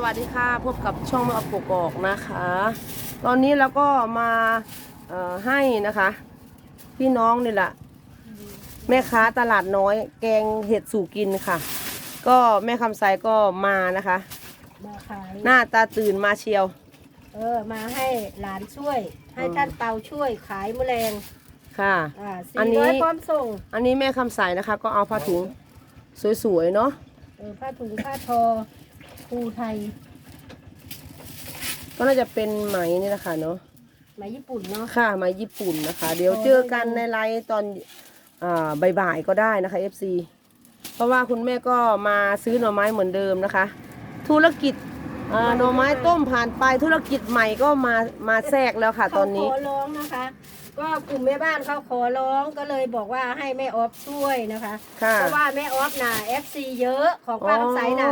วัสดีค่ะพบกับช่องแม่ออฟกกอกนะคะ ตอนนี้เราก็มาให้นะคะพี่น้องนี่แหละแม่ค้าตลาดน้อยแกงเห็ดสู่กินค่ะ ก็แม่คำไซก็มานะคะมาขายหน้าตาตื่นมาเชียวมาให้หลานช่วยให้ท่านเปาช่วยขายแมลงค่ะอันนี้พร้อมส่งอันนี้แม่คำไซนะคะก็เอาผ้าถุงสวยๆเนาะผ้าถุงผ้าทอภูไทยก็น่าจะเป็นไหมนี่นะคะเนาะไหมญี่ปุ่นเนาะค่ะไหมญี่ปุ่นนะคะเดี๋ยวเจอกันในไลฟ์ตอนบ่ายๆก็ได้นะคะ FC เพราะว่าคุณแม่ก็มาซื้อหน่อไม้เหมือนเดิมนะคะธุรกิจหน่อไม้ต้มผ่านไปธุรกิจใหม่ก็มาแทรกแล้วค่ะตอนนี้ขอร้องนะคะก็กลุ่มแม่บ้านเขาขอร้องก็เลยบอกว่าให้แม่ออฟช่วยนะคะเพราะว่าแม่ออฟน่ะ FC เยอะของป้าคำใสน่ะ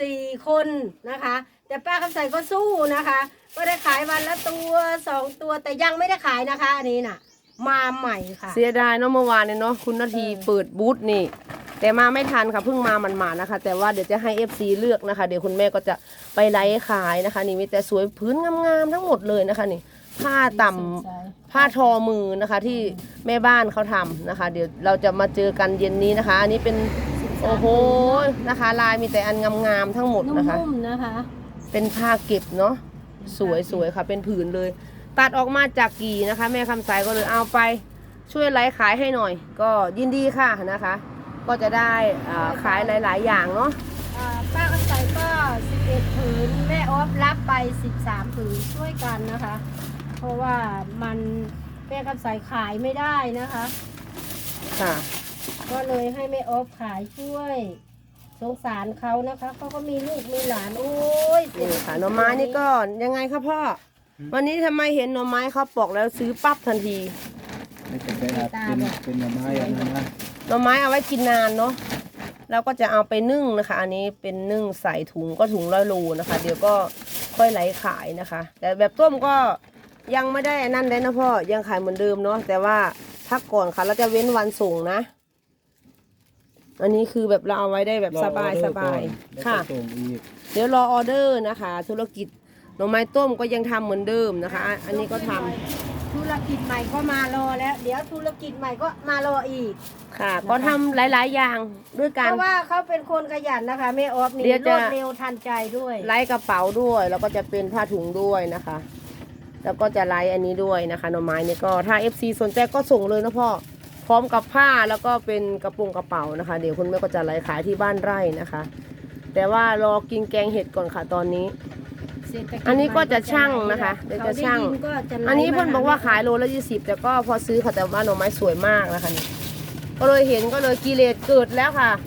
4 คนนะคะแต่ป้าคำใสก็สู้นะคะก็ได้ขายวันละตัว2 ตัวแต่ยังไม่ได้ขายนะคะอันนี้น่ะมาใหม่ค่ะเสียดายเนาะเมื่อวานเนี่ยเนาะคุณนาทีเปิดบูธนี่แต่มาไม่ทันค่ะเพิ่งมามันๆนะคะแต่ว่าเดี๋ยวจะให้ FC เลือกนะคะเดี๋ยวคุณแม่ก็จะไปไลฟ์ขายนะคะนี่มีแต่สวยพื้นงามๆทั้งหมดเลยนะคะนี่ผ้าต่ำผ้าทอมือนะคะที่แม่บ้านเขาทำนะคะเดี๋ยวเราจะมาเจอกันเย็นนี้นะคะอันนี้เป็นโอ้โหนะคะลายมีแต่อันงามๆทั้งหมดนะคะนุ่มๆนะคะเป็นผ้าเก็บเนาะสวยๆค่ะเป็นผืนเลยตัดออกมาจากกี่นะคะแม่คำสายก็เลยเอาไปช่วยไลฟ์ขายให้หน่อยก็ยินดีค่ะนะคะก็จะได้ขายหลายๆอย่างเนาะป้าคำใสก็11 ผืนแม่ออฟรับไป13 ผืนช่วยกันนะคะเพราะว่ามันแม่คำใสขายไม่ได้นะคะค่ะก็เลยให้แม่ออฟขายช่วยสงสารเขานะคะเขาก็มีลูกมีหลานโอ้ยนี่ค่ะหน่อไม้นี่ก็ยังไงคะพ่อวันนี้ทำไมเห็นหน่อไม้เขาปอกแล้วซื้อปั๊บทันทีไม่เป็นไรเป็นหน่อไม้อย่างนั้นนะหน่อไม้เอาไว้กินนานเนาะแล้วก็จะเอาไปนึ่งนะคะอันนี้เป็นนึ่งใส่ถุงก็ถุง100 โลนะคะเดี๋ยวก็ค่อยไหลขายนะคะแต่แบบต้มก็ยังไม่ได้นั่นเลยนะพ่อยังขายเหมือนเดิมเนาะแต่ว่าพักก่อนค่ะเราจะเว้นวันส่งนะอันนี้คือแบบเราเอาไว้ได้แบบสบายค่ะเดี๋ยวรอออเดอร์นะคะธุรกิจหน่อไม้ต้มก็ยังทำเหมือนเดิมนะคะอันนี้ก็ทำธุรกิจใหม่ก็มารอแล้วเดี๋ยวธุรกิจใหม่ก็มารออีกค่ะก็ทำหลายๆอย่างด้วยกันเพราะว่าเขาเป็นคนขยันนะคะแม่ออฟนี่รวดเร็วทันใจด้วยไล่กระเป๋าด้วยแล้วก็จะเป็นผ้าถุงด้วยนะคะแล้วก็จะไล่อันนี้ด้วยนะคะหน่อไม้นี่ก็ถ้า FC สนใจก็ส่งเลยนะพ่อพร้อมกับผ้าแล้วก็เป็นกระเป๋านะคะเดี๋ยวคุณแม่ก็จะไล่ขายที่บ้านไร่นะคะแต่ว่ารอกินแกงเห็ดก่อนค่ะตอนนี้อันนี้ก็จะช่างนะคะเดี๋ยวจะช่างอันนี้เพื่อนบอกว่าขายโลละ20แต่ก็พอซื้อค่ะแต่ว่าหน่อไม้สวยมากนะคะนี่ก็เลยเห็นก็เลยกิเลสเกิดแล้วค่ะ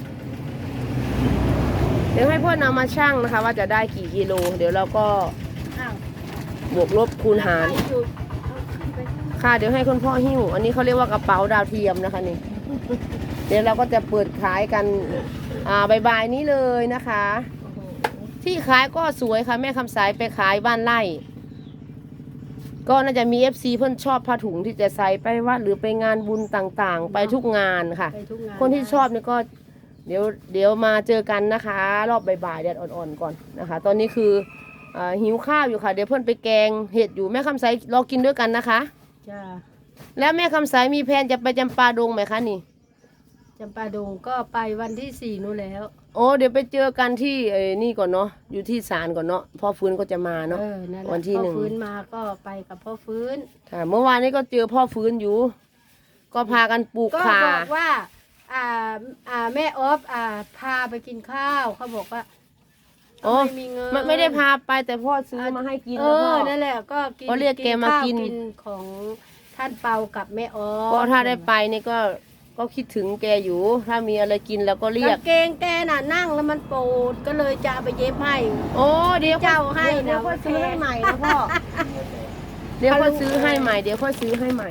เดี๋ยวให้เพื่อนนำมาช่างนะคะว่าจะได้กี่กิโลเดี๋ยวเราก็บวกลบคูณหารค่ะเดี๋ยวให้คุณพ่อหิ้วอันนี้เขาเรียกว่ากระเป๋าดาวเทียมนะคะนี่เดี๋ยวเราก็จะเปิดขายกันบ่ายๆนี้เลยนะคะที่ขายก็สวยค่ะแม่คำสายไปขายบ้านไร่ก็น่าจะมี FC เพื่อนชอบผ้าถุงที่จะใส่ไปวัดหรือไปงานบุญต่างๆไปทุกงานค่ะคนที่ชอบนี่ก็เดี๋ยวมาเจอกันนะคะรอบบ่ายๆแดดอ่อนๆก่อนนะคะตอนนี้คือหิวข้าวอยู่ค่ะเดี๋ยวเพื่อนไปแกงเห็ดอยู่แม่คำสายรอกินด้วยกันนะคะจ้าแล้วแม่คำสายมีแผนจะไปจำปาดงไหมคะนี่จำปาดงก็ไปวันที่4นู่นแล้วโอ้เดี๋ยวไปเจอกันที่นี่ก่อนเนาะอยู่ที่ศาลก่อนเนาะพ่อฟื้นก็จะมาเนาะวันที่1พ่อฟื้นมาก็ไปกับพ่อฟื้นค่ะเมื่อวานนี้ก็เจอพ่อฟื้นอยู่ก็พากันปลูกข่าก็บอกว่าแม่ออฟพาไปกินข้าวเขาบอกว่าไม่มีเงินไม่ได้พาไปแต่พ่อซื้อมาให้กินแล้วพ่อนั่นแหละก็กินเรียกแกมากินของท่านเปากับแม่ออฟก็ถ้าได้ไปนี่ก็คิดถึงแกอยู่ถ้ามีอะไรกินแล้วก็เรียกเกงแกน่ะนั่งแล้วมันปวดก็เลยจะไปเย็บให้โอ้เดี๋ยวเจ้าให้เดี๋ยวค่อยซื้อให้ใหม่นะพ่อเดี๋ยวค่อยซื้อให้ใหม่เดี๋ยวค่อยซื้อให้ใหม่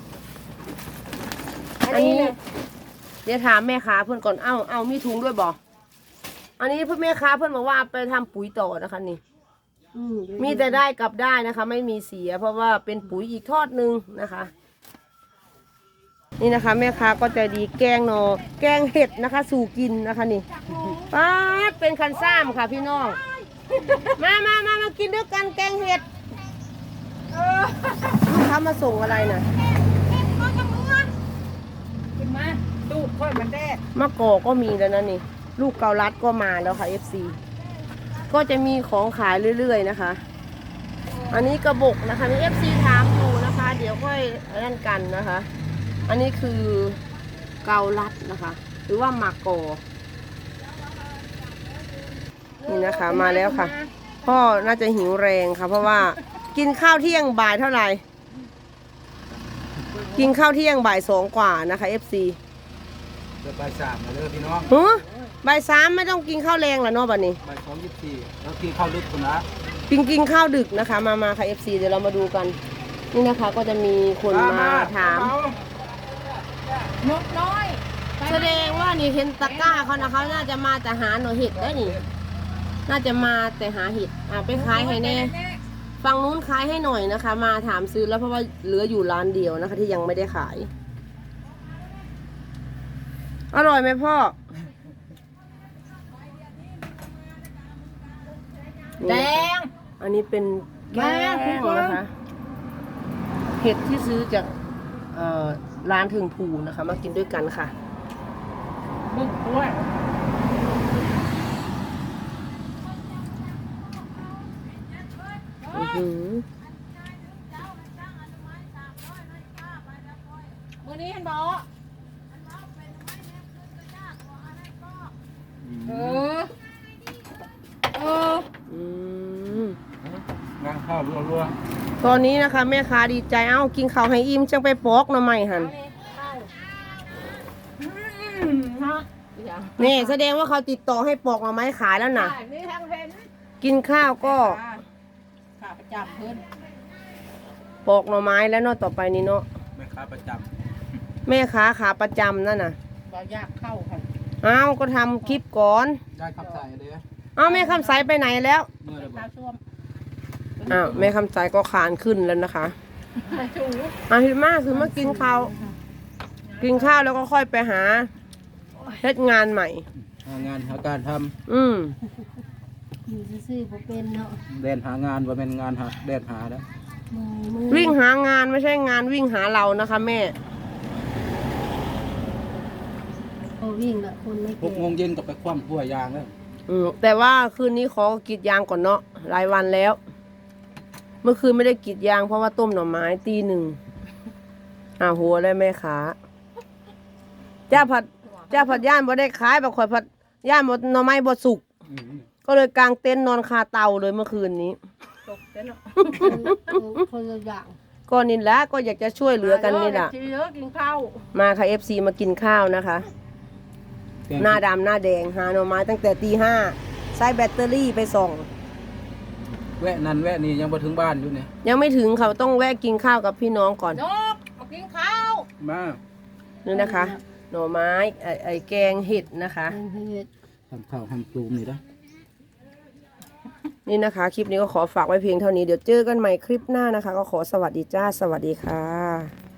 อันนี้เดี๋ยวถามแม่ค้าเพื่อนก่อนเอามีถุงด้วยบ่อันนี้เพื่อนแม่ค้าเพื่อนบอกว่าไปทำปุ๋ยต่อนะคะนี่มีแต่ได้กลับได้นะคะไม่มีเสียเพราะว่าเป็นปุ๋ยอีกทอดนึงนะคะนี่นะคะแม่ค้าก็ใจดีแกงหน่อแกงเห็ดนะคะสู่กินนะคะนี่ป๊าดเป็นคันซ้ำค่ะพี่น้องมากินด้วยกันแกงเห็ดลูกค้ามาส่งอะไรนะขึ้นมาตูดค่อยมันแดดมะกอกก็มีแล้วนะนี่ ลูกเกาลัดก็มาแล้วค่ะ FC ก็จะมีของขายเรื่อยๆนะคะ อันนี้กระบอกนะคะมี FC ถามอยู่นะคะ เดี๋ยวค่อยนั่นกันนะคะ อันนี้คือเกาลัดนะคะ หรือว่าหมากกอนี่นะคะมาแล้วค่ะ พ่อน่าจะหิวแรงค่ะ เพราะว่ากินข้าวเที่ยงบ่ายเท่าไหร่ กินข้าวเที่ยงบ่าย2กว่านะคะ FC เดี๋ยวบ่าย3มาเลยพี่น้องหือบ่าย3ไม่ต้องกินข้าวแรงแล้วเนาะบัดนี้บ่าย2:24แล้วกินข้าวลึกคนละกินข้าวดึกนะคะ มาค่ะ FC เดี๋ยวเรามาดูกัน นี่นะคะก็จะมีคนมาถามนกน้อยแสดงว่านี่เห็นตะกร้าเขานะเขาน่าจะมาแต่หาหน่อเห็ดได้นี่ น่าจะมาแต่หาเห็ดไปขายให้แน่ฝั่งนู้นขายให้หน่อยนะคะ มาถามซื้อแล้วเพราะว่าเหลืออยู่ร้านเดียวนะคะ ที่ยังไม่ได้ขาย อร่อยไหมพ่อแดนี่นะคะงอันนี้เป็นแกแม่คุณงเปิ้ลนะคะเห็ดที่ซื้อจากร้านถึงภูนะคะ มากินด้วยกันค่ะบึ้งด้วยอื้อหือมื้อนี้เห็นบอกเอออืมงานข้าวรัวตอนนี้นะคะ แม่ค้าดีใจเอ้ากินข้าวให้อิ่มจังไปปอกหน่อไม้หันนี่แสดงว่าเขาติดต่อให้ปอกหน่อไม้ขายแล้วนะนี่ทางเพนกินข้าวก็ขาประจำเพิ่นปอกหน่อไม้แล้วเนาะต่อไปนี้เนาะๆแม่ค้าประจแม่ค้าขาประจำนั่นน่ะบ่ยากเข้าค่ะเอ้าก็ทำคลิปก่อนำได้ขับใส่เลยเอ้าแม่คำใสไปไหนแล้วเมื่อไรบอข้าก วช่วมอ้าวแม่คำใสก็ขานขึ้นแล้วนะคะชูพี่มากคือมากินข้าว กินข้าวแล้วก็ค่อยไปหาเฮ็ดงานใหม่หางานหาการทอืมอยู่ซื่อๆบ่เป็นเนาะำเดินหางานว่าเป็นงานหาเดินหาแล้ววิ่งหางานไม่ใช่งานวิ่งหาเรานะคะ แม่โอ้วิ่งละคนไม่ 6 เก่งโมงเย็นก็ไปคว่ำพั่วยางแล้วแต่ว่าคืนนี้ขอกรีดยางก่อนเนาะรายวันแล้ว เมื่อคืนไม่ได้กรีดยางเพราะว่าต้มหน่อไม้ตี 1หัวได้แม่ค้าเจ้าผัดย่านบ่ได้ขายแบบข่อยผัดย่านหมดหน่อไม้บ่สุก ก็เลยกางเต็นท์นอนคาเตาเลยเมื่อคืนนี้ตกเต้นเนาะคนละอย่างก็นี่แหละก็อยากจะช่วยเหลือกันนี่แหละเยอะกินข้าวมาค่ะ FC มากินข้าวนะคะ หน้าดำหน้าแดงหาหน่อไม้ตั้งแต่ตี 5ใช้แบตเตอรี่ไปส่องแวะนั่นแวะนี่ยังมาถึงบ้านอยู่เนี่ยยังไม่ถึงเขาต้องแวะกินข้าวกับพี่น้องก่อนนกมากินข้าวมานี่นะคะ หน่อไม้ไอ้แกงเห็ดนะคะทำข้าวทำปลูมนี่นะนี่นะคะ คลิปนี้ก็ขอฝากไว้เพียงเท่านี้เดี๋ยวเจอกันใหม่คลิปหน้านะคะ ก็ขอสวัสดีจ้าสวัสดีค่ะ